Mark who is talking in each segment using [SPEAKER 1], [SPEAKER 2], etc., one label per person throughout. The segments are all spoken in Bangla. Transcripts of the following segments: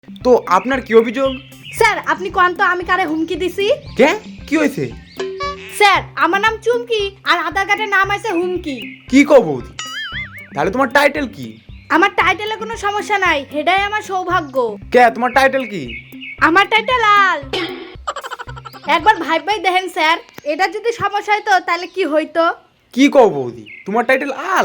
[SPEAKER 1] তো আপনার কি অভিযোগ?
[SPEAKER 2] স্যার আপনি কোন তো আমি কারে হুমকি দিছি?
[SPEAKER 1] কে কি হয়েছে?
[SPEAKER 2] স্যার আমার নাম চুমকি আর আধার কার্ডের নাম আছে হুমকি।
[SPEAKER 1] কি কও বৌদি? তাহলে তোমার টাইটেল কি?
[SPEAKER 2] আমার টাইটেলে কোনো সমস্যা নাই, এটাই আমার সৌভাগ্য।
[SPEAKER 1] কে তোমার টাইটেল কি?
[SPEAKER 2] আমার টাইটেল লাল। একবার ভাই দেখেন স্যার, এটা যদি সমস্যা হইতো তাহলে কি হইতো?
[SPEAKER 1] কি কও বৌদি? তোমার টাইটেল আল?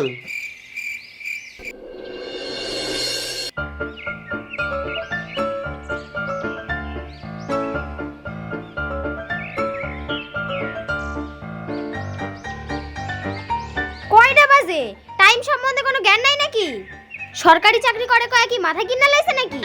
[SPEAKER 3] কয়টা বাজে? টাইম সম্বন্ধে কোনো জ্ঞান নাই নাকি? সরকারি চাকরি করে কয় কি মাথা কিনা লাইছে নাকি?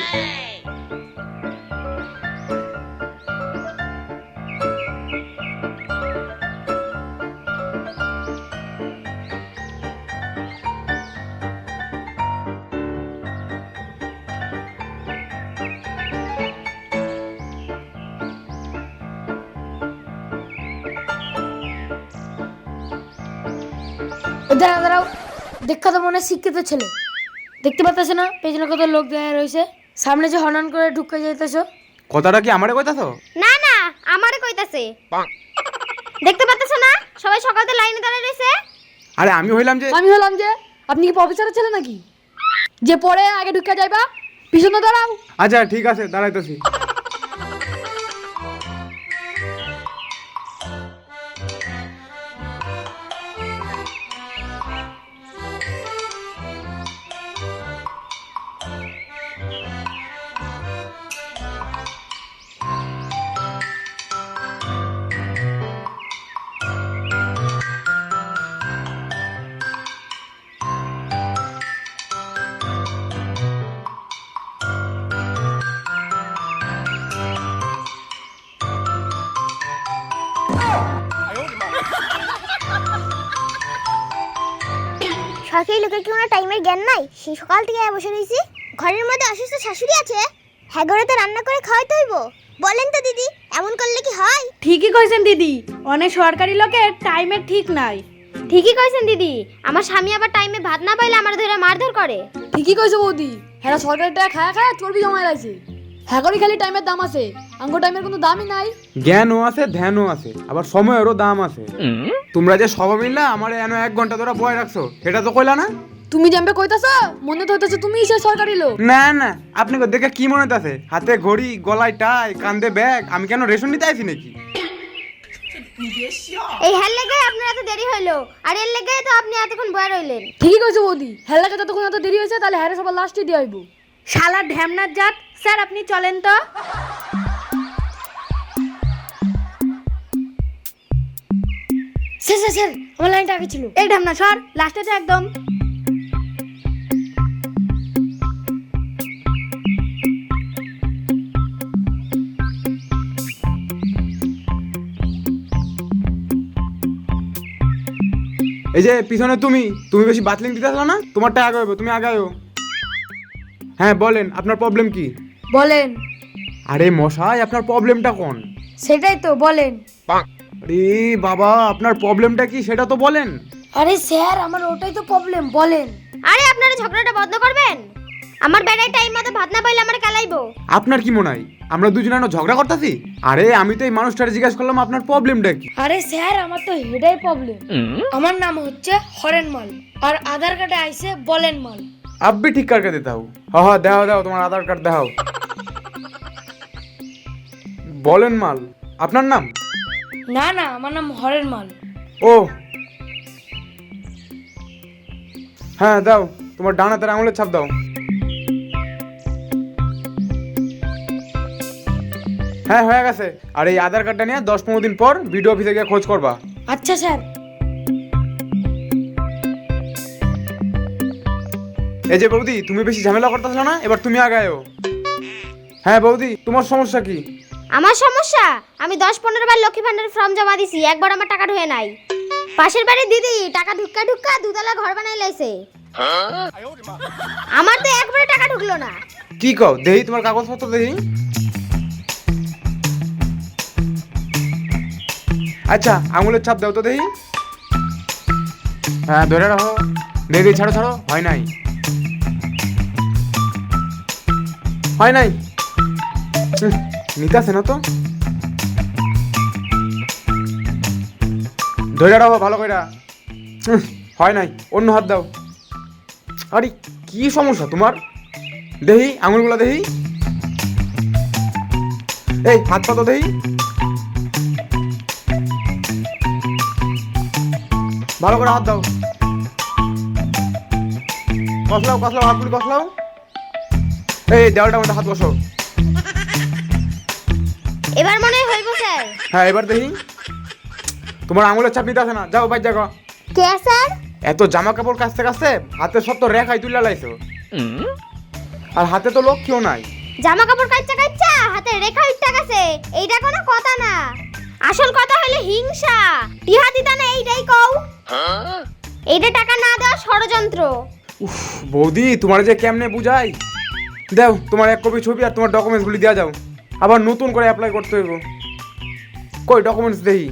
[SPEAKER 4] দাঁড়াও দাঁড়াও, দেখা তো মনে হয় শিক্ষিত ছেলে। দেখতে পাচ্ছ না পেছনে কত লোক দাঁড়িয়ে রয়েছে, সামনে যে হনন করে ঢুকে যাইতেছো।
[SPEAKER 1] কথাটা কি আমারে কইতাছো?
[SPEAKER 3] না না, আমারে কইতাছে। দেখতে পাচ্ছ না সবাই সকালতে লাইনে দাঁড়ায় রইছে?
[SPEAKER 1] আরে আমি হইলাম যে
[SPEAKER 4] আমি হলাম যে, আপনি কি প্রফেসরের ছেলে নাকি যে পরে আগে ঢুকে যাইবা? পিছনে দাঁড়াও।
[SPEAKER 1] আচ্ছা ঠিক আছে দাঁড়াইতেছি।
[SPEAKER 3] সরকারি লোকের কি কোনো টাইমের জ্ঞান নাই? সেই সকাল থেকে বসে রইছি। ঘরের মধ্যে অসুস্থ শাশুড়ি আছে, হ্যাঁ ঘরে তো রান্না করে খাওয়াইতে হইব। বলেন তো দিদি, এমন করলে কি হয়?
[SPEAKER 2] ঠিকই কইছেন দিদি, অনেক সরকারি লোকের টাইমের ঠিক নাই।
[SPEAKER 3] ঠিকই কইছেন দিদি, আমার স্বামী আবার টাইমে ভাত না পাইলে আমার ধরে মারধর করে।
[SPEAKER 4] ঠিকই কইছো বৌদি, হ্যাঁ সরকারি টাকা খায়া খায়া চর্বি জমায় লাগছে। হ্যাঁ করে খালি টাইমের দাম আছে, আঙ্গো টাইমের কোনো দামই নাই।
[SPEAKER 1] জ্ঞানও আছে ধ্যানও আছে, আবার সময়েরও দাম আছে। তোমরা যে সবাই মিললা আমার এনে 1 ঘন্টা ধরে বয় রাখছো, সেটা তো কইলা না?
[SPEAKER 4] তুমি জানবে কইতাছো, মনে তো হইতাছো তুমিই সেই সরকারি লোক।
[SPEAKER 1] না না, আপনি দেখে কি মনে হইতাছে? হাতে ঘড়ি, গলায় টাই, কান্দে ব্যাগ, আমি কেন রেশন নিতে আইছি নাকি?
[SPEAKER 3] এই হেল লেগে আপনার এত দেরি হইলো, আর এর লেগে তো আপনি এতক্ষণ বয়ে রইলেন।
[SPEAKER 4] ঠিকই কইছো বৌদি, হ্যাঁ লাগে যতক্ষণ এত দেরি হয়েছে তাহলে হ্যারে সবার লাস্টে দিয়ে আইবো।
[SPEAKER 2] শালা ঢ্যামনার জাত। স্যার আপনি চলেন তো।
[SPEAKER 4] স্যার স্যার স্যার, আমার লাইনটা আগে ছিল।
[SPEAKER 2] এই ঢ্যামনা সর, লাস্টে তো একদম।
[SPEAKER 1] এই যে পিছনে তুমি বেশি বাতলিং দিতেছো না, তোমারটা আগে হইব, তুমি আগে আয়ো। হ্যাঁ বলেন আপনার প্রবলেম কি?
[SPEAKER 4] বলেন।
[SPEAKER 1] আরে মশাই আপনার প্রবলেমটা কোন?
[SPEAKER 4] সেটাই তো বলেন।
[SPEAKER 1] আরে বাবা আপনার প্রবলেমটা কি সেটা তো বলেন।
[SPEAKER 4] আরে স্যার আমার ওটাই তো প্রবলেম, বলেন।
[SPEAKER 3] আরে আপনারা ঝগড়াটা বন্ধ করবেন? আমার বেড়ায় টাইম মতো ভাত না পাইলে আমার কালাইবো।
[SPEAKER 1] আপনার কি মনে হয় আমরা দুজনে ঝগড়া করতেছি? আরে আমি তো এই মানুষটারে জিজ্ঞাসা করলাম আপনার প্রবলেমটা কি।
[SPEAKER 4] আরে স্যার আমার তো হেডাই প্রবলেম। আমার নাম হচ্ছে হরেন মাল, আর আধার কার্ডে আইছে বলেন মাল।
[SPEAKER 1] আব্বি ঠিক কারকে দিতে হও। হ্যাঁ দাও দাও তোমার আধার কার্ড দাও। বলেন মাল আপনার নাম?
[SPEAKER 4] না না, আমার নাম হরেন মাল।
[SPEAKER 1] ও হ্যাঁ দাও, তোমার ডান হাতের আঙুলের ছাপ দাও। হ্যাঁ হয়ে গেছে। আর এই আধার কার্ডটা নিয়ে 10-15 দিন পর বিডিও অফিসে গিয়ে খোঁজ করবা।
[SPEAKER 4] আচ্ছা স্যার।
[SPEAKER 1] এই যে বৌদি তুমি বেশি ঝামেলা করতেছো না, এবার তুমি আগায়ও। হ্যাঁ বৌদি তোমার সমস্যা কি?
[SPEAKER 3] আমার সমস্যা, আমি 10-15 বার লক্ষ্মী ভান্ডারের ফর্ম জমা দিছি, একবার আমার টাকা ঢুকে নাই। পাশের বাড়ির দিদি টাকা ঢুক্কা ঢুক্কা দুতলা ঘর বানাই লাইছে, আমার তো একবারে টাকা ঢুকলো না।
[SPEAKER 1] কি কও দেহি তোমার কাগজপত্র দেহি। আচ্ছা আঙুলের ছাপ দাও তো দেহি। হ্যাঁ ধরে রাখো, দেখি ছাড়ো ছাড়ো, হয় নাই হয় নাই। নিতাছে না তো, ধরে রাখো ভালো করে। হয় নাই, অন্য হাত দাও। আরে কি সমস্যা তোমার? দেহি আঙুলগুলো দেহি, এই হাত পা তো দেহি, ভালো করে হাত দাও। কসলাও কসলাও, হাতগুলি কসলাও। এই দেওয়ালটার মধ্যে হাত বসো।
[SPEAKER 3] এবার মনে হয় হইব স্যার।
[SPEAKER 1] হ্যাঁ এবার দেখি, তোমার আঙুলের চাপ নিতে আসে না, যাও বাইর জায়গা।
[SPEAKER 3] কে স্যার?
[SPEAKER 1] এত জামা কাপড় কাচতে কাচতে হাতে সব তো রেখাই তুলে লাইছো, আর হাতে তো লক্ষ্যও নাই।
[SPEAKER 3] জামা কাপড় কাচ্চা কাচ্চা হাতে রেখা উঠতে গেছে, এইটা কোনো কথা না। আসল কথা হলো হিংসা, টিহা দিতা না এইটাই কও। এইটা টাকা না দেওয়া ষড়যন্ত্র।
[SPEAKER 1] উফ বৌদি, তোমার যে কেমনে বুঝাই। দাও তোমার এক কপি ছবি আর তোমার ডকুমেন্টসগুলি দেওয়া যাও, আবার নতুন করে অ্যাপ্লাই করতে হইব। কই ডকুমেন্টস দেই?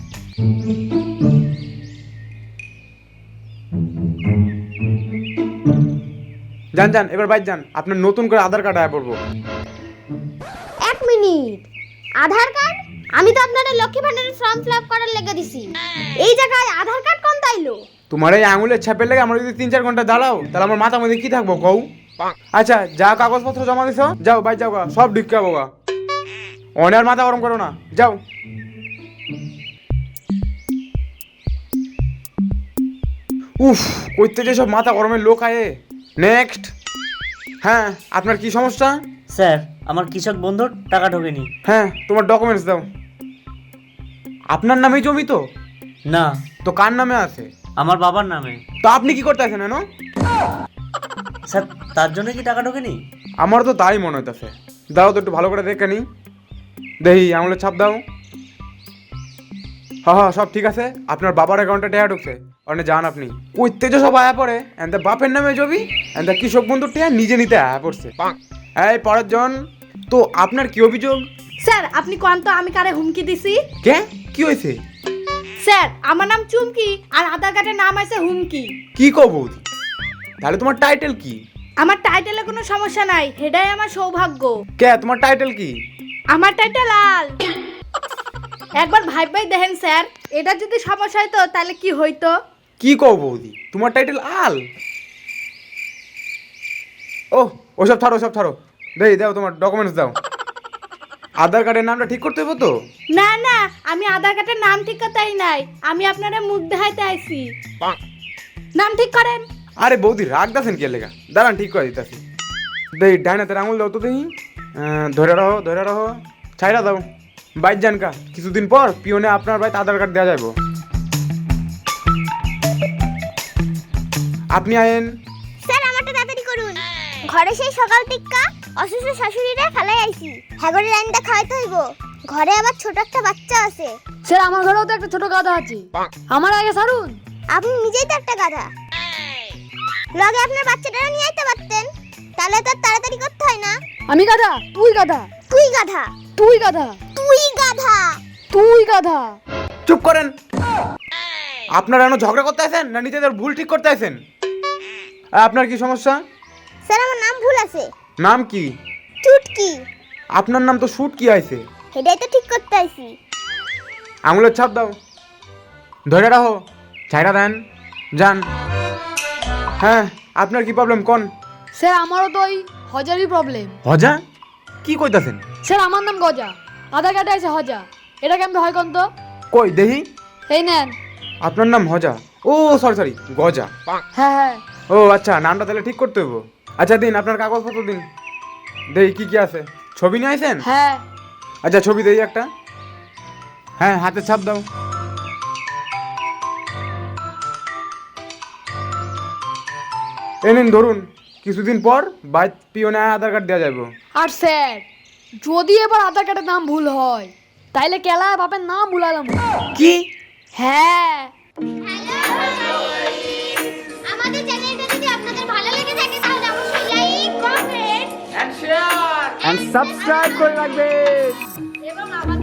[SPEAKER 1] যান যান, এবার বাইর যান, আপনার নতুন করে আধার কার্ড আয়া পড়বো।
[SPEAKER 3] এক মিনিট, আধার কার্ড? আমি তো আপনাদের লক্ষ্মী ভান্ডারের ফর্ম ফিল আপ করার লেগে দিছি, এই জায়গায় আধার কার্ড কোন তাইলো?
[SPEAKER 1] তোমার এই আঙুলের ছাপের লেগে আমরা যদি 3-4 ঘন্টা দাঁড়াও, তাহলে আমার মাথা মধ্যে কি থাকবো কও? আচ্ছা যা কাগজপত্র জমা দিছো যাও, বাই যাও গা, সব ঢুকাবো গা। অনেক মাথা গরম করো না, যাও। উফ, কইতে যে সব মাথা গরমের লোক আয়ে। নেক্সট। হ্যাঁ আপনার কি সমস্যা?
[SPEAKER 5] স্যার আমার কৃষক বন্ধুর টাকা ঢোকেনি।
[SPEAKER 1] হ্যাঁ তোমার ডকুমেন্টস দাও। আপনার নামেই জমি তো?
[SPEAKER 5] না,
[SPEAKER 1] তো কার নামে আছে?
[SPEAKER 5] আমার বাবার নামে।
[SPEAKER 1] তো আপনি কি করতে আছেন?
[SPEAKER 5] স্যার তার জন্য কি টাকা ঢোকেনি?
[SPEAKER 1] আমার তো তাই মনে হইতেছে। দাও তো একটু ভালো করে দেখে নি, দেখি আঙুলের ছাপ দাও। হ্যাঁ হ্যাঁ সব ঠিক আছে, আপনার বাবার অ্যাকাউন্টে টাকা ঢুকছে। অনেক যান আপনি কইতে যে সব আয়া পড়ে, এনতে বাপের নামে জবি, এনতে কৃষক বন্ধুর টাকা নিজে নিতে আয়া পড়ছে। এই পরের জন, তো আপনার কি অভিযোগ?
[SPEAKER 2] স্যার আপনি কোন তো আমি কারে হুমকি দিছি?
[SPEAKER 1] কে কি হয়েছে?
[SPEAKER 2] স্যার আমার নাম চুমকি আর আধার কার্ডের নাম আছে হুমকি।
[SPEAKER 1] কি কও বৌদি, তাহলে তোমার টাইটেল কি?
[SPEAKER 2] আমার টাইটেলে কোনো সমস্যা নাই, হেডাই আমার সৌভাগ্য।
[SPEAKER 1] কে তোমার টাইটেল কি?
[SPEAKER 2] আমার টাইটেল লাল। একবার ভাই ভাই দেখেন স্যার, এটা যদি সমস্যা হইতো তাহলে কি হইতো?
[SPEAKER 1] কি কও বৌদি, তোমার টাইটেল আল? ও ওসব ছাড়ো, ওসব ছাড়ো। দেই দাও তোমার ডকুমেন্টস দাও। আধার কার্ডের নামটা ঠিক করতে হবে তো?
[SPEAKER 2] না না, আমি আধার কার্ডের নাম ঠিক করতেই নাই, আমি আপনারা মুখ দেখাইতে আইছি। নাম ঠিক করেন।
[SPEAKER 1] আরে বৌদি রাগ দাছেন কে লেগা, দাঁড়ান ঠিক করে দিতেছি। দেই ডাইনাতের আঙুল দাও তো দেখি। ধরে রাখো, ধরে রাখো, ছাইরা দাও। বাইর যান কা, কিছুদিন পর পিওনে আপনার বাড়িতে আধার কার্ড দেওয়া যাবো। আপনি আয়েন।
[SPEAKER 3] স্যার আমারটা তাড়াতাড়ি করুন, ঘরে সেই সকাল টিক্কা অসুস্থ শাশুড়িরা ফেলাই আইছি, হ্যাগরে লাইনটা খাইতে হইব। ঘরে আবার ছোট একটা বাচ্চা আছে।
[SPEAKER 4] স্যার আমার ঘরেও তো একটা ছোট গাধা আছে, আমার আগে ছাড়ুন।
[SPEAKER 3] আপনি নিজেই তো একটা গাধা, লগে আপনার বাচ্চাটাও নিয়ে আইতে পারতেন, তাহলে তো আর তাড়াতাড়ি করতে হয় না।
[SPEAKER 4] আমি গাধা? তুই গাধা।
[SPEAKER 3] তুই গাধা।
[SPEAKER 4] তুই গাধা।
[SPEAKER 3] তুই গাধা।
[SPEAKER 4] তুই গাধা।
[SPEAKER 1] চুপ করেন। আপনারা এখনো ঝগড়া করতে আছেন না নিজেদের ভুল ঠিক করতে আছেন? আপনার কি সমস্যা?
[SPEAKER 3] স্যার আমার নাম ভুল আছে।
[SPEAKER 1] নাম কি?
[SPEAKER 3] চুটকি।
[SPEAKER 1] আপনার নাম তো শুট কি আইছে?
[SPEAKER 3] সেটাই তো ঠিক করতে আইছি।
[SPEAKER 1] আঙুলের ছাপ দাও, ধরে রাখো, ছাইরা দেন, যান। হ্যাঁ আপনার কি প্রবলেম কোন?
[SPEAKER 4] স্যার আমারও তো ওই হজারই প্রবলেম।
[SPEAKER 1] হজা? কি কইতাছেন?
[SPEAKER 4] স্যার আমার নাম গজা, আধার কার্ডে আছে হজা, এটা কেমন হয় কোন তো?
[SPEAKER 1] কই দেহি।
[SPEAKER 4] এই নেন।
[SPEAKER 1] আপনার নাম হজা? ও সরি সরি, গজা।
[SPEAKER 4] হ্যাঁ হ্যাঁ।
[SPEAKER 1] ও আচ্ছা, নামটা তাহলে ঠিক করতে হবো। আচ্ছা দিন আপনার কাগজপত্র দিন, দেহি কি কি আছে। ছবি নিয়ে আইছেন?
[SPEAKER 4] হ্যাঁ।
[SPEAKER 1] আচ্ছা ছবি দেই একটা। হ্যাঁ হাতে ছাপ দাও। এই নিন ধরুন, কিছুদিন পর বাইক পিওনে আধার কার্ড দেওয়া যাবে।
[SPEAKER 4] আর স্যার যদি এবার আধার কার্ডের নাম ভুল হয় তাইলে কেলা বাপের নাম ভুলালাম।
[SPEAKER 1] কি?
[SPEAKER 4] হ্যাঁ।
[SPEAKER 3] আমাদের চ্যানেলটা যদি আপনাদের ভালো লেগে থাকে তাহলে অবশ্যই লাইক, কমেন্ট
[SPEAKER 1] এন্ড সাবস্ক্রাইব করে রাখবেন।
[SPEAKER 2] এবং আমাদের